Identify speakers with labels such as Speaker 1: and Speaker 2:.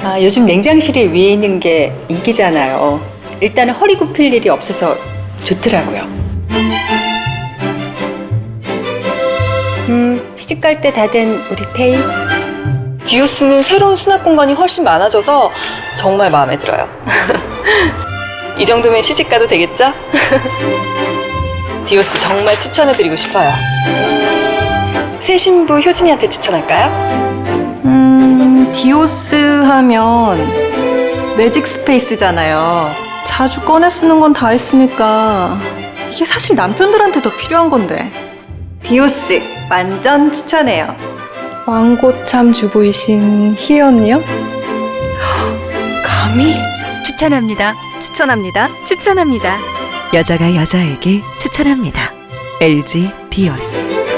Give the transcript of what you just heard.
Speaker 1: 요즘 냉장실에 위에 있는 게 인기잖아요. 일단은 허리 굽힐 일이 없어서 좋더라고요. 시집갈 때 다 된 우리 태희.
Speaker 2: 디오스는 새로운 수납 공간이 훨씬 많아져서 정말 마음에 들어요. 이 정도면 시집가도 되겠죠? 디오스 정말 추천해드리고 싶어요. 새 신부 효진이한테 추천할까요?
Speaker 3: 디오스 하면 매직 스페이스잖아요. 자주 꺼내 쓰는 건 다 했으니까 이게 사실 남편들한테 더 필요한 건데. 디오스 완전 추천해요. 왕고참 주부이신 희애 언니요? 감히?
Speaker 4: 추천합니다.
Speaker 3: 추천합니다.
Speaker 4: 추천합니다. 여자가 여자에게 추천합니다. LG 디오스.